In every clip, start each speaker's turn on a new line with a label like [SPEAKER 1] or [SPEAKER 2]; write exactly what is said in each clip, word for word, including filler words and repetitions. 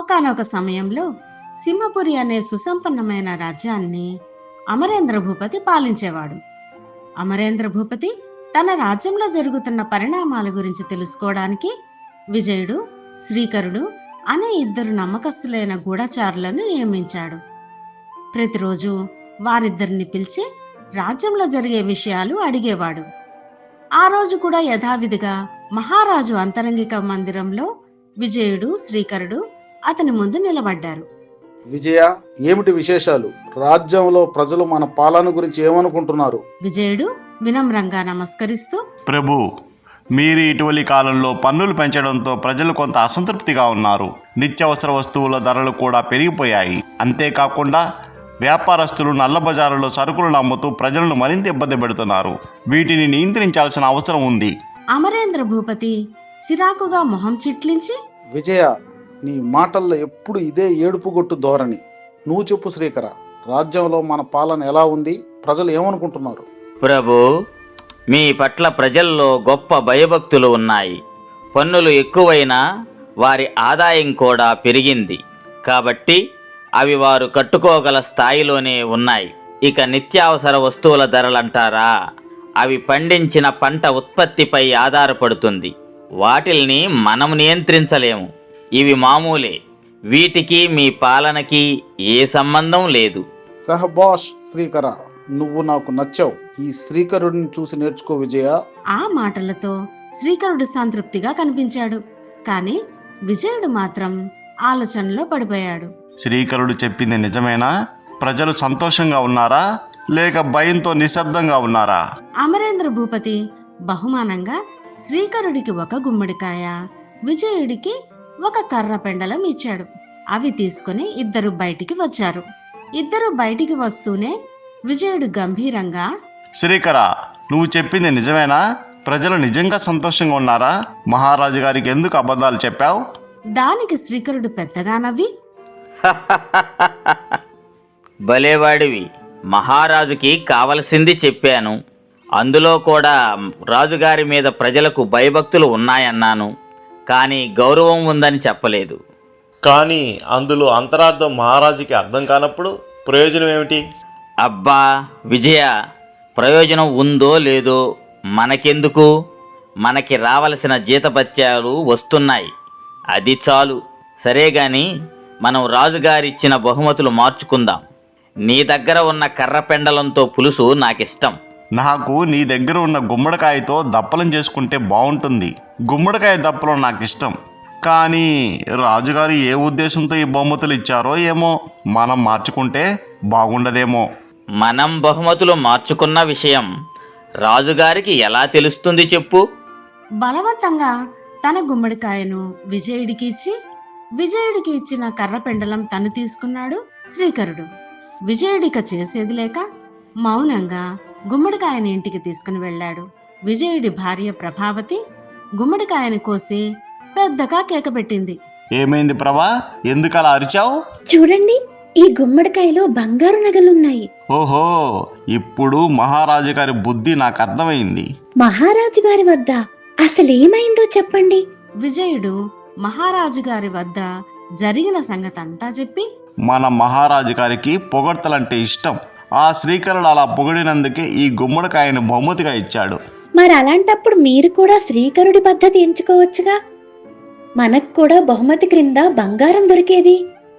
[SPEAKER 1] ఒకానొక సమయంలో సింహపురి అనే సుసంపన్నమైన రాజ్యాన్ని అమరేంద్ర భూపతి పాలించేవాడు. అమరేంద్ర భూపతి తన రాజ్యంలో జరుగుతున్న పరిణామాల గురించి తెలుసుకోవడానికి విజయుడు, శ్రీకరుడు అనే ఇద్దరు నమ్మకస్తులైన గూఢచారులను నియమించాడు. ప్రతిరోజు వారిద్దరిని పిలిచి రాజ్యంలో జరిగే విషయాలు అడిగేవాడు. ఆ రోజు కూడా యథావిధిగా మహారాజు అంతరంగిక మందిరంలో విజయుడు, శ్రీకరుడు అతని ముందు నిలబడ్డారు.
[SPEAKER 2] విజయ, ఏమిటి విశేషాలు? రాజ్యంలో ప్రజలు మన పాలన గురించి ఏమనుకుంటున్నారు?
[SPEAKER 1] విజయుడు వినమ్రంగా నమస్కరిస్తూ,
[SPEAKER 3] ప్రభు, మీరు ఇటీవలి కాలంలో పన్నులు పెంచడంతో ప్రజలు కొంత అసంతృప్తిగా ఉన్నారు. నిత్యావసర వస్తువుల ధరలు కూడా పెరిగిపోయాయి. అంతేకాకుండా వ్యాపారస్తులు నల్ల బజారులో సరుకులను అమ్ముతూ ప్రజలను మరింత ఇబ్బంది పెడుతున్నారు. వీటిని నియంత్రించాల్సిన అవసరం ఉంది.
[SPEAKER 1] అమరేంద్ర భూపతి చిరాకుగా మొహం చిట్లించి,
[SPEAKER 2] విజయ, నీ మాటల్లో ఎప్పుడు ఇదే ఏడుపుగొట్టు ధోరణి. నువ్వు చెప్పు శ్రీకర, రాజ్యంలో మన పాలన ఎలా ఉంది? ప్రజలు ఏమనుకుంటున్నారు?
[SPEAKER 4] ప్రభు, మీ పట్ల ప్రజల్లో గొప్ప భయభక్తులు ఉన్నాయి. పన్నులు ఎక్కువైనా వారి ఆదాయం కూడా పెరిగింది కాబట్టి అవి వారు కట్టుకోగల స్థాయిలోనే ఉన్నాయి. ఇక నిత్యావసర వస్తువుల ధరలంటారా, అవి పండించిన పంట ఉత్పత్తిపై ఆధారపడుతుంది. వాటిల్ని మనం నియంత్రించలేము. ఇవి మామూలే. వీటికి మీ పాలనకి ఏ సంబంధం లేదు.
[SPEAKER 2] సహబాష్ శ్రీకర, నువ్వు నాకు నచ్చావు. ఈ శ్రీకరుడిని చూసి నేర్చుకో విజయ.
[SPEAKER 1] ఆ మాటలతో శ్రీకరుడు సంతృప్తిగా కనిపించాడు. కాని విజయుడు మాత్రం ఆలోచనలో పడిపోయాడు.
[SPEAKER 3] శ్రీకరుడు చెప్పింది నిజమేనా? ప్రజలు సంతోషంగా ఉన్నారా లేక భయంతో నిశ్శబ్దంగా ఉన్నారా?
[SPEAKER 1] అమరేంద్ర భూపతి బహుమానంగా శ్రీకరుడికి ఒక గుమ్మడికాయ, విజయుడికి ఒక కర్ర పెండలం ఇచ్చాడు. అవి తీసుకుని ఇద్దరు బయటికి వచ్చారు. ఇద్దరు బయటికి వస్తూనే విజయుడు గంభీరంగా,
[SPEAKER 3] శ్రీకర, నువ్వు చెప్పింది నిజమేనా? ప్రజలు నిజంగా సంతోషంగా ఉన్నారా? మహారాజు గారికి ఎందుకు అబద్ధాలు చెప్పావు?
[SPEAKER 1] దానికి శ్రీకరుడు పెద్దగా నవ్వి,
[SPEAKER 4] భలేవాడివి. మహారాజుకి కావలసింది చెప్పాను. అందులో కూడా రాజుగారి మీద ప్రజలకు భయభక్తులు ఉన్నాయన్నాను. కానీ గౌరవం ఉందని చెప్పలేదు.
[SPEAKER 5] కానీ అందులో అంతరార్థం మహారాజుకి అర్థం కానప్పుడు ప్రయోజనం ఏమిటి?
[SPEAKER 4] అబ్బా విజయ, ప్రయోజనం ఉందో లేదో మనకెందుకు? మనకి రావలసిన జీతభత్యాలు వస్తున్నాయి, అది చాలు. సరే గాని మనం రాజుగారిచ్చిన బహుమతులు మార్చుకుందాం. నీ దగ్గర ఉన్న కర్ర పెండలంతో పులుసు నాకిష్టం.
[SPEAKER 3] నాకు నీ దగ్గర ఉన్న గుమ్మడికాయతో దప్పలం చేసుకుంటే బాగుంటుంది. గుమ్మడికాయ దప్పలం నాకు ఇష్టం. కానీ రాజుగారు ఏ ఉద్దేశంతో ఈ బహుమతులు ఇచ్చారో ఏమో, మనం మార్చుకుంటే బాగుండదేమో.
[SPEAKER 4] మనం బహుమతులు మార్చుకున్న విషయం రాజుగారికి ఎలా తెలుస్తుంది చెప్పు?
[SPEAKER 1] బలవంతంగా తన గుమ్మడికాయను విజయుడికి ఇచ్చి, విజయుడికి ఇచ్చిన కర్ర పెండలం తను తీసుకున్నాడు శ్రీకరుడు. విజయుడిక చేసేది లేక మౌనంగా గుమ్మడికాయని ఇంటికి తీసుకుని వెళ్ళాడు. విజయుడి భార్య ప్రభావతి గుమ్మడికాయని కోసి పెద్దగా కేక పెట్టింది.
[SPEAKER 3] ఏమైంది ప్రభా, ఎందుకు అలా అరిచావు?
[SPEAKER 6] చూడండి, ఈ గుమ్మడికాయలో బంగారు నగలున్నాయి.
[SPEAKER 3] ఓహో, ఇప్పుడు మహారాజు గారి బుద్ధి నాకు అర్థమైంది.
[SPEAKER 6] మహారాజు గారి వద్ద అసలేమైందో చెప్పండి.
[SPEAKER 1] విజయుడు మహారాజు గారి వద్ద జరిగిన సంగతంతా చెప్పి,
[SPEAKER 3] మన మహారాజు గారికి పొగడ్తలంటే ఇష్టం. ఆ శ్రీకరుడు అలా పొగిడినందుకే ఈ గుమ్మడికాయను బహుమతిగా ఇచ్చాడు.
[SPEAKER 6] మరి అలాంటప్పుడు మీరు కూడా శ్రీకరుడి పద్ధతి ఎంచుకోవచ్చుగా. మనకు కూడా బహుమతి క్రింద బంగారం దొరికేది.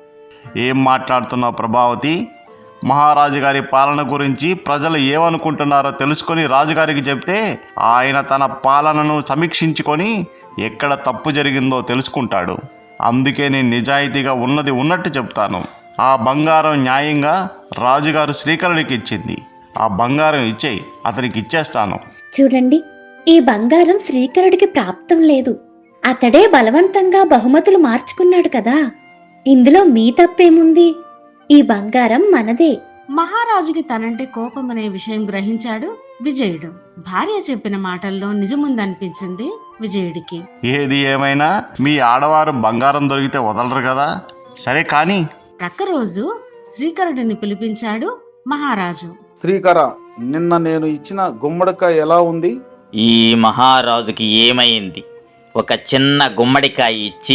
[SPEAKER 3] ఏం మాట్లాడుతున్నావు ప్రభావతి? మహారాజు గారి పాలన గురించి ప్రజలు ఏమనుకుంటున్నారో తెలుసుకొని రాజుగారికి చెప్తే ఆయన తన పాలనను సమీక్షించుకొని ఎక్కడ తప్పు జరిగిందో తెలుసుకుంటాడు. అందుకే నేను నిజాయితీగా ఉన్నది ఉన్నట్టు చెప్తాను. ఆ బంగారం న్యాయంగా రాజుగారు శ్రీకరుడికి ఇచ్చింది. ఆ బంగారం ఇచ్చేయి, అతనికి ఇచ్చేస్తాను.
[SPEAKER 6] చూడండి, ఈ బంగారం శ్రీకరుడికి ప్రాప్తం లేదు. అతడే బలవంతంగా బహుమతులు మార్చుకున్నాడు కదా. ఇందులో మీ తప్పేముంది? ఈ బంగారం మనదే.
[SPEAKER 1] మహారాజుకి తనంటే కోపం అనే విషయం గ్రహించాడు విజయుడు. భార్య చెప్పిన మాటల్లో నిజముందనిపించింది విజయుడికి.
[SPEAKER 3] ఏది ఏమైనా మీ ఆడవారు బంగారం దొరికితే వదలరు కదా. సరే కానీ
[SPEAKER 1] ప్రక్క రోజు శ్రీకరుడిని పిలిపించాడు మహారాజు.
[SPEAKER 2] శ్రీకర, నిన్న నేను ఇచ్చిన గుమ్మడికాయ ఎలా ఉంది?
[SPEAKER 4] ఈ మహారాజుకి ఏమైంది? ఒక చిన్న గుమ్మడికాయ ఇచ్చి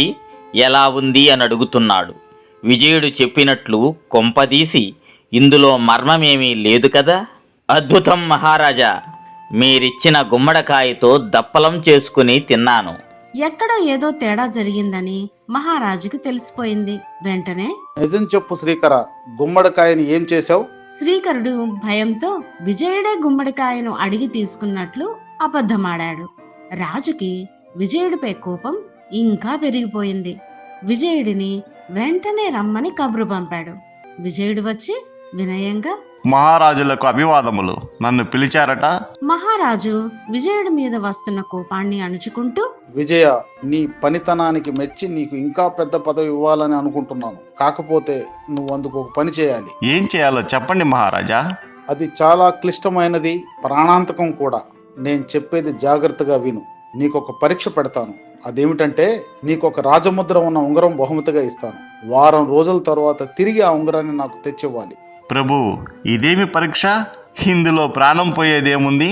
[SPEAKER 4] ఎలా ఉంది అని అడుగుతున్నాడు. విజయుడు చెప్పినట్లు కొంపదీసి ఇందులో మర్మమేమీ లేదు కదా? అద్భుతం మహారాజా, మీరిచ్చిన గుమ్మడికాయతో దప్పలం చేసుకుని తిన్నాను.
[SPEAKER 1] ఎక్కడో ఏదో తేడా జరిగిందని మహారాజుకు తెలిసిపోయింది. వెంటనే
[SPEAKER 2] నిజం చెప్పు శ్రీకర, గుమ్మడికాయని ఏం చేశావు?
[SPEAKER 1] శ్రీకరుడు భయంతో విజయుడే గుమ్మడికాయను అడిగి తీసుకున్నట్లు అబద్ధమాడాడు. రాజుకి విజయుడిపై కోపం ఇంకా పెరిగిపోయింది. విజయుడిని వెంటనే రమ్మని కబురు పంపాడు. విజయుడు వచ్చి వినయంగా,
[SPEAKER 3] మహారాజులకు అభివాదములు, నన్ను పిలిచారట.
[SPEAKER 1] మహారాజు విజయుడి మీద వస్తున్న కోపాన్ని అణుచుకుంటూ,
[SPEAKER 2] విజయ, నీ పనితనానికి మెచ్చి నీకు ఇంకా పెద్ద పదవి ఇవ్వాలని అనుకుంటున్నాను. కాకపోతే నువ్వు అందుకు ఒక పని చేయాలి.
[SPEAKER 3] ఏం చేయాలో చెప్పండి మహారాజా.
[SPEAKER 2] అది చాలా క్లిష్టమైనది, ప్రాణాంతకం కూడా. నేను చెప్పేది జాగ్రత్తగా విను. నీకు ఒక పరీక్ష పెడతాను. అదేమిటంటే, నీకు ఒక రాజముద్ర ఉన్న ఉంగరం బహుమతిగా ఇస్తాను. వారం రోజుల తర్వాత తిరిగి ఆ ఉంగరాన్ని నాకు తెచ్చివ్వాలి.
[SPEAKER 3] ప్రభు, ఇదేమి పరీక్ష? ఇందులో ప్రాణం పోయేదేముంది?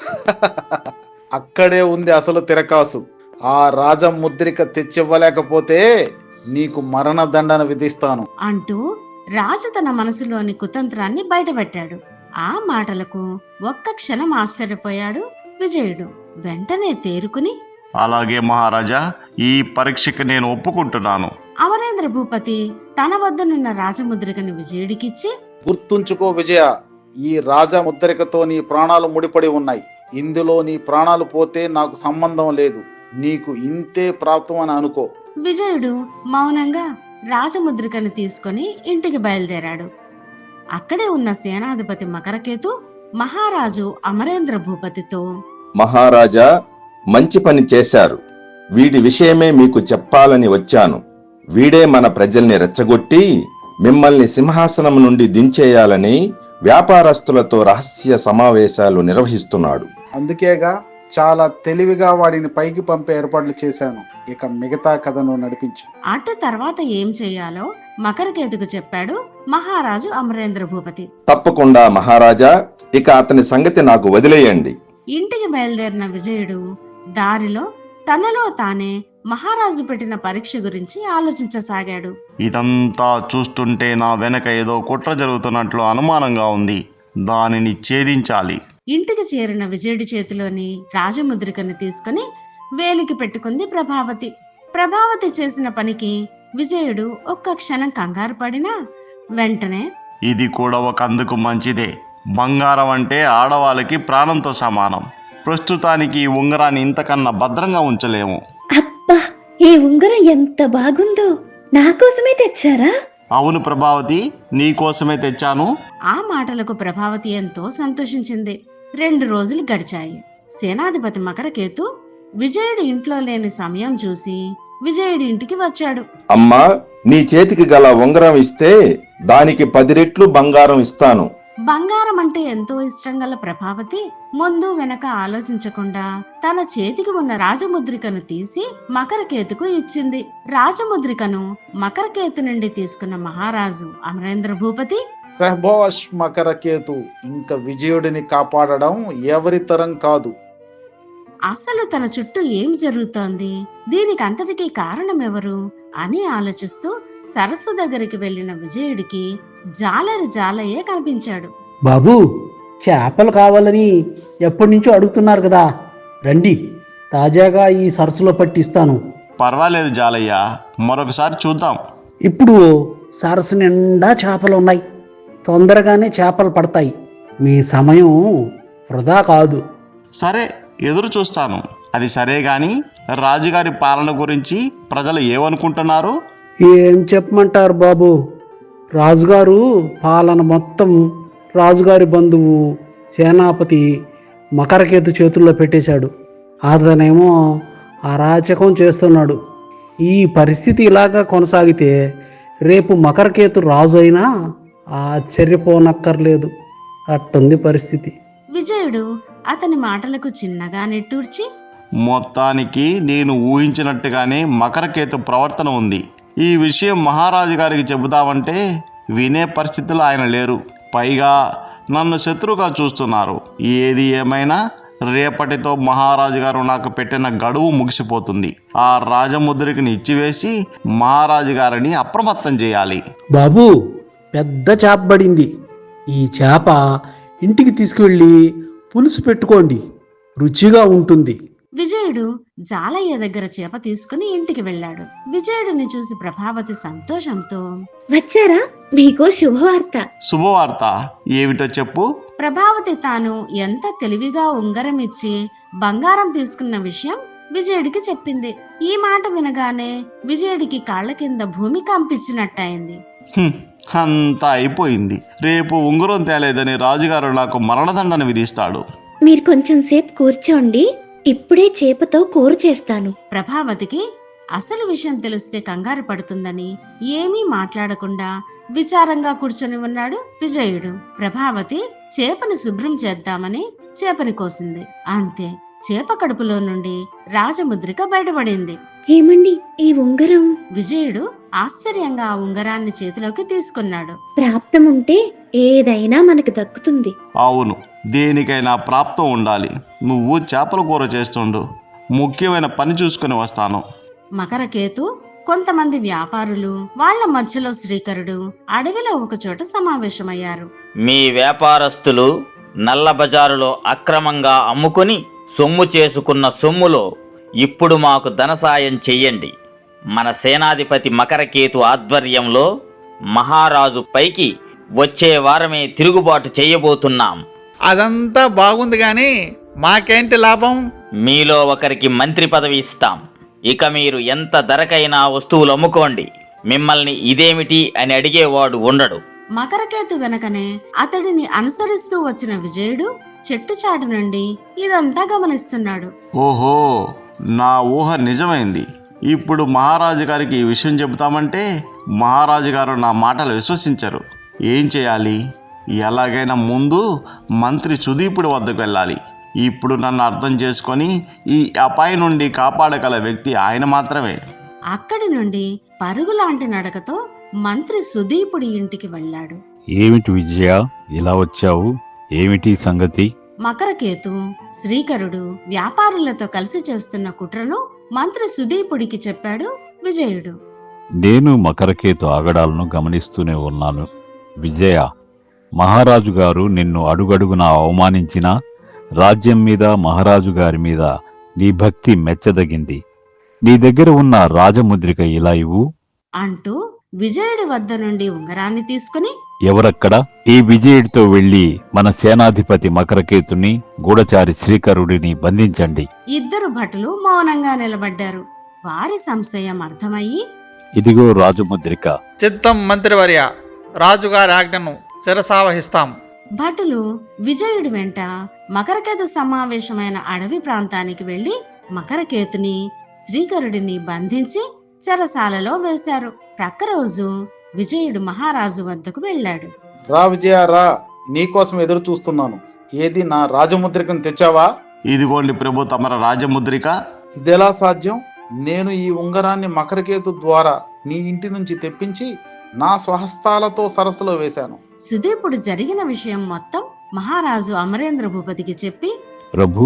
[SPEAKER 2] అక్కడే ఉంది అసలు తిరకాసు. ఆ రాజముద్రిక తెచ్చివ్వలేకపోతే నీకు మరణదండన విధిస్తాను
[SPEAKER 1] అంటూ రాజు తన మనసులోని కుతంత్రాన్ని బయటపెట్టాడు. ఆ మాటలకు ఒక్క క్షణం ఆశ్చర్యపోయాడు విజయుడు. వెంటనే తేరుకుని,
[SPEAKER 3] అలాగే మహారాజా, ఈ పరీక్షకి నేను ఒప్పుకుంటున్నాను.
[SPEAKER 1] అమరేంద్ర భూపతి తన వద్దనున్న రాజముద్రికని విజయుడికిచ్చి,
[SPEAKER 2] గుర్తుంచుకో విజయ, ఈ రాజముద్రికతో నీ ప్రాణాలు ముడిపడి ఉన్నాయి. ఇందులో నీ ప్రాణాలు పోతే నాకు సంబంధం లేదు. నీకు ఇంతే ప్రాప్తం అని అనుకో.
[SPEAKER 1] విజయుడు మౌనంగా రాజముద్రికను తీసుకొని ఇంటికి బయలుదేరాడు. అక్కడే ఉన్న సేనాధిపతి మకరకేతు మహారాజు అమరేంద్ర భూపతితో,
[SPEAKER 7] మహారాజా, మంచి పని చేశారు. వీడి విషయమే మీకు చెప్పాలని వచ్చాను. వీడే మన ప్రజల్ని రెచ్చగొట్టి మిమ్మల్ని సింహాసనం నుండి దించేయాలని వ్యాపారస్తులతో రహస్య సమావేశాలు నిర్వహిస్తున్నాడు.
[SPEAKER 2] అందుకేగా చాలా తెలివిగా వాడిని పైకి పంపే ఏర్పాట్లు చేశాను. ఇక మిగతా కథను నడిపించు.
[SPEAKER 1] అటు తర్వాత ఏం చెయ్యాలో మకరకేతుకు చెప్పాడు మహారాజు అమరేంద్ర భూపతి.
[SPEAKER 7] తప్పకుండా మహారాజా, ఇక అతని సంగతి నాకు వదిలేయండి.
[SPEAKER 1] ఇంటికి బయలుదేరిన విజయుడు దారిలో తనలో తానే మహారాజు పెట్టిన పరీక్ష గురించి ఆలోచించసాగాడు.
[SPEAKER 3] ఇదంతా చూస్తుంటే నా వెనక ఏదో కుట్ర జరుగుతున్నట్లు అనుమానంగా ఉంది. దానిని ఛేదించాలి.
[SPEAKER 1] ఇంటికి చేరిన విజయుడి చేతిలోని రాజముద్రికను తీసుకుని వేలికి పెట్టుకుంది ప్రభావతి. ప్రభావతి చేసిన పనికి విజయుడు ఒక్క క్షణం కంగారు పడినా వెంటనే,
[SPEAKER 3] ఇది కూడా ఒక అందుకు మంచిదే. బంగారం అంటే ఆడవాళ్ళకి ప్రాణంతో సమానం. ప్రస్తుతానికి ఈ ఉంగరాన్ని ఇంతకన్నా భద్రంగా ఉంచలేము.
[SPEAKER 6] అబ్బా, ఈ ఉంగరం ఎంత బాగుందో! నా కోసమే తెచ్చారా?
[SPEAKER 3] అవును ప్రభావతి, నీ కోసమే తెచ్చాను.
[SPEAKER 1] ఆ మాటలకు ప్రభావతి ఎంతో సంతోషించింది. రెండు రోజులు గడిచాయి. సేనాధిపతి మకరకేతు విజయుడి ఇంట్లో లేని సమయం చూసి విజయుడి ఇంటికి వచ్చాడు.
[SPEAKER 7] అమ్మా, నీ చేతికి గల ఉంగరం ఇస్తే దానికి పది రెట్లు బంగారం ఇస్తాను.
[SPEAKER 1] బంగారం అంటే ఎంతో ఇష్టం గల ప్రభావతి ముందు వెనక ఆలోచించకుండా తన చేతికి ఉన్న రాజముద్రికను తీసి మకరకేతుకు ఇచ్చింది. రాజముద్రికను మకరకేతు నుండి తీసుకున్న మహారాజు అమరేంద్ర భూపతి,
[SPEAKER 2] సహబాష్ మకరకేతు, ఇంకా విజయుడిని కాపాడడం ఎవరి తరం కాదు.
[SPEAKER 1] అసలు తన చుట్టూ ఏం జరుగుతోంది, దీనికి అంతటికీ కారణం ఎవరు అని ఆలోచిస్తూ సరస్సు దగ్గరికి వెళ్లిన విజయుడికి జాలరి జాలయ్యే కనిపించాడు.
[SPEAKER 8] బాబు, చేపలు కావాలని ఎప్పటి నుంచో అడుగుతున్నారు కదా, రండి, తాజాగా ఈ సరస్సులో పట్టిస్తాను.
[SPEAKER 3] పర్వాలేదు జాలయ్య, మరొకసారి చూద్దాం.
[SPEAKER 8] ఇప్పుడు సరస్సు నిండా చేపలు ఉన్నాయి, తొందరగానే చేపలు పడతాయి. మీ సమయం వృధా కాదు.
[SPEAKER 3] సరే, ఎదురు చూస్తాను. అది సరే గాని రాజుగారి పాలన గురించి ప్రజలు ఏమనుకుంటున్నారు?
[SPEAKER 8] ఏం చెప్పమంటారు బాబు, రాజుగారు పాలన మొత్తం రాజుగారి బంధువు సేనాపతి మకరకేతు చేతుల్లో పెట్టేశాడు. అతనేమో అరాచకం చేస్తున్నాడు. ఈ పరిస్థితి ఇలాగా కొనసాగితే రేపు మకరకేతు రాజు అయినా ఆశ్చర్యపోనక్కర్లేదు. అట్టుంది పరిస్థితి.
[SPEAKER 1] విజయుడు అతని మాటలకు చిన్నగా నిట్టూర్చి,
[SPEAKER 3] మొత్తానికి నేను ఊహించినట్టుగానే మకరకేతు ప్రవర్తన ఉంది. ఈ విషయం మహారాజు గారికి చెబుదామంటే వినే పరిస్థితులు ఆయన లేరు. పైగా నన్ను శత్రువుగా చూస్తున్నారు. ఏది ఏమైనా రేపటితో మహారాజు గారు నాకు పెట్టిన గడువు ముగిసిపోతుంది. ఆ రాజముద్రికని ఇచ్చివేసి మహారాజు గారిని అప్రమత్తం చేయాలి.
[SPEAKER 8] బాబు, పెద్ద చేప పడింది. ఈ చేప ఇంటికి తీసుకువెళ్ళి పులుసు పెట్టుకోండి, రుచిగా ఉంటుంది.
[SPEAKER 1] విజయుడు జాలయ్య దగ్గర చేప తీసుకుని ఇంటికి వెళ్ళాడు. విజయుడిని చూసి ప్రభావతి సంతోషంతో,
[SPEAKER 6] వచ్చారా? మీకో శుభవార్త.
[SPEAKER 3] శుభవార్త ఏమిటో చెప్పు.
[SPEAKER 1] ప్రభావతి తాను ఎంత తెలివిగా ఉంగరం ఇచ్చి బంగారం తీసుకున్న విషయం విజయుడికి చెప్పింది. ఈ మాట వినగానే విజయుడికి కాళ్ల కింద భూమి కంపించినట్టయింది.
[SPEAKER 3] హ్మ్, అంతా అయిపోయింది. రేపు ఉంగరం తేలేదని రాజుగారు నాకు మరణదండన విధిస్తాడు.
[SPEAKER 6] మీరు కొంచెం సేపు కూర్చోండి, ఇప్పుడే చేపతో కూర చేస్తాను.
[SPEAKER 1] ప్రభావతికి అసలు విషయం తెలిస్తే కంగారు పడుతుందని ఏమీ మాట్లాడకుండా విచారంగా కూర్చొని ఉన్నాడు విజయుడు. ప్రభావతి చేపని శుభ్రం చేద్దామని చేపని కోసింది. అంతే, చేప కడుపులో నుండి రాజముద్రిక బయటపడింది.
[SPEAKER 6] ఏమండి, ఈ ఉంగరం?
[SPEAKER 1] విజయుడు ఆశ్చర్యంగా ఆ ఉంగరాన్ని చేతిలోకి తీసుకున్నాడు.
[SPEAKER 6] ప్రాప్తం ఉంటే ఏదైనా మనకు దక్కుతుంది.
[SPEAKER 3] అవును, దేనికైనా ప్రాప్తం ఉండాలి. నువ్వు చేపల కూర చేస్తుండు, ముఖ్యమైన పని చూసుకుని వస్తాను.
[SPEAKER 1] మకరకేతు, కొంతమంది వ్యాపారులు, వాళ్ల మధ్యలో శ్రీకరుడు అడవిలో ఒక చోట సమావేశమయ్యారు.
[SPEAKER 4] మీ వ్యాపారస్తులు నల్ల బజారులో అక్రమంగా అమ్ముకుని సొమ్ము చేసుకున్న సొమ్ములో ఇప్పుడు మాకు ధన సాయం చెయ్యండి. మన సేనాధిపతి మకరకేతు ఆధ్వర్యంలో మహారాజు పైకి వచ్చే వారమే తిరుగుబాటు చేయబోతున్నాం.
[SPEAKER 9] అదంతా బాగుంది కానీ మాకేంటి లాభం?
[SPEAKER 4] మీలో ఒకరికి మంత్రి పదవి ఇస్తాం. ఇక మీరు ఎంత ధరకైనా వస్తువులు అమ్ముకోండి. మిమ్మల్ని ఇదేమిటి అని అడిగేవాడు ఉండడు.
[SPEAKER 1] మకరకేతు వెనకనే అతడిని అనుసరిస్తూ వచ్చిన విజయుడు చెట్టు చాటు నుండి ఇదంతా గమనిస్తున్నాడు.
[SPEAKER 3] ఓహో, నా ఊహ నిజమైంది. ఇప్పుడు మహారాజు గారికి ఈ విషయం చెబుతామంటే మహారాజు గారు నా మాటలు విశ్వసించరు. ఏం చేయాలి? ఎలాగైనా ముందు మంత్రి సుదీపుడి వద్దకు వెళ్ళాలి. ఇప్పుడు నన్ను అర్థం చేసుకొని ఈ అపాయం నుండి కాపాడగల వ్యక్తి ఆయన మాత్రమే.
[SPEAKER 1] అక్కడి నుండి పరుగులాంటి నడకతో మంత్రి సుదీపుడి ఇంటికి వెళ్ళాడు.
[SPEAKER 10] ఏమిటి విజయ, ఇలా వచ్చావు? ఏమిటి సంగతి?
[SPEAKER 1] మకరకేతు, శ్రీకరుడు వ్యాపారులతో కలిసి చేస్తున్న కుట్రను మంత్రి సుదీపుడికి చెప్పాడు విజయుడు.
[SPEAKER 10] నేను మకరకేతు ఆగడాలను గమనిస్తూనే ఉన్నాను. విజయ, మహారాజు గారు నిన్ను అడుగడుగునా అవమానించినా రాజ్యం మీద, మహారాజు గారి మీద నీ భక్తి మెచ్చదగింది. నీ దగ్గర ఉన్న రాజముద్రిక ఇలా ఇవ్వు
[SPEAKER 1] అంటూ విజయుడి వద్ద నుండి ఉంగరాన్ని తీసుకుని,
[SPEAKER 10] ఎవరక్కడ? ఈ విజయుడితో వెళ్లి మన సేనాధిపతి మకరకేతుని, గూఢచారి శ్రీకరుడిని బంధించండి.
[SPEAKER 1] ఇద్దరు భటులు మౌనంగా నిలబడ్డారు. వారి సంశయం అర్థమయ్యి,
[SPEAKER 10] ఇదిగో రాజముద్రిక.
[SPEAKER 9] చిత్తం మంత్రివర్య, రాజుగారి ఆజ్ఞను శిరసావహిస్తాం.
[SPEAKER 1] భటులు విజయుడి వెంట మకరకేతు సమావేశమైన అడవి ప్రాంతానికి వెళ్లి మకరకేతుని, శ్రీకరుడిని బంధించి చెరసాలలో వేశారు. ప్రక్క రోజు విజయుడు మహారాజు వద్దకు వెళ్ళాడు.
[SPEAKER 2] రా విజయ, రా, నీకోసం ఎదురు చూస్తున్నాను. ఏది, నా రాజముద్రికను తెచ్చావా?
[SPEAKER 3] ఇదిగోండి ప్రభు, తమర రాజముద్రిక.
[SPEAKER 2] ఇదెలా సాధ్యం? నేను ఈ ఉంగరాన్ని మకరకేతు ద్వారా నీ ఇంటి నుంచి తెప్పించి నా స్వహస్తాలతో సరస్సులో వేశాను.
[SPEAKER 1] సుదీపుడు జరిగిన విషయం మొత్తం మహారాజు అమరేంద్ర భూపతికి చెప్పి,
[SPEAKER 10] ప్రభు,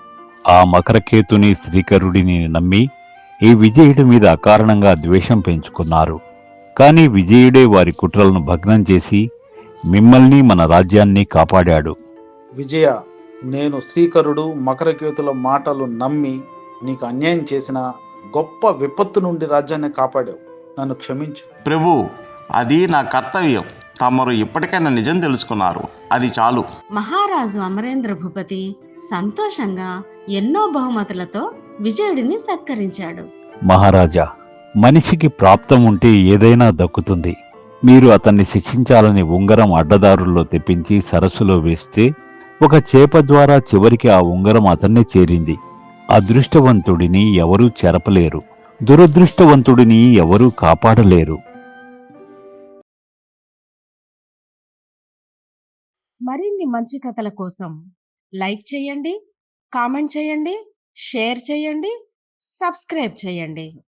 [SPEAKER 10] ఆ మకరకేతుని, శ్రీకరుడిని నమ్మి ఈ విజయుడి మీద అకారణంగా ద్వేషం పెంచుకున్నారు. కానీ విజయుడే వారి కుట్రలను భగ్నం చేసి మిమ్మల్ని, మన రాజ్యాన్ని కాపాడాడు.
[SPEAKER 2] విజయ, నేను శ్రీకరుడు, మకరకేతుల మాటలు నమ్మి నీకు అన్యాయం చేసిన గొప్ప విపత్తు నుండి రాజ్యాన్ని కాపాడావు. నన్ను క్షమించు.
[SPEAKER 3] ప్రభు, అది నా కర్తవ్యం. తమరు ఇప్పటికైనా నిజం తెలుసుకున్నారు, అది చాలు.
[SPEAKER 1] మహారాజు అమరేంద్ర భూపతి సంతోషంగా ఎన్నో బహుమతులతో విజయుడిని సత్కరించాడు.
[SPEAKER 10] మహారాజా, మనిషికి ప్రాప్తం ఉంటే ఏదైనా దక్కుతుంది. మీరు అతన్ని శిక్షించాలని ఉంగరం అడ్డదారుల్లో తెప్పించి సరస్సులో వేస్తే ఒక చేప ద్వారా చివరికి ఆ ఉంగరం అతన్నే చేరింది. అదృష్టవంతుడిని ఎవరూ చెరపలేరు, దురదృష్టవంతుడిని ఎవరూ కాపాడలేరు.
[SPEAKER 1] మరిన్ని మంచి కథల కోసం లైక్ చేయండి, కామెంట్ చేయండి, షేర్ చేయండి, సబ్స్క్రైబ్ చేయండి.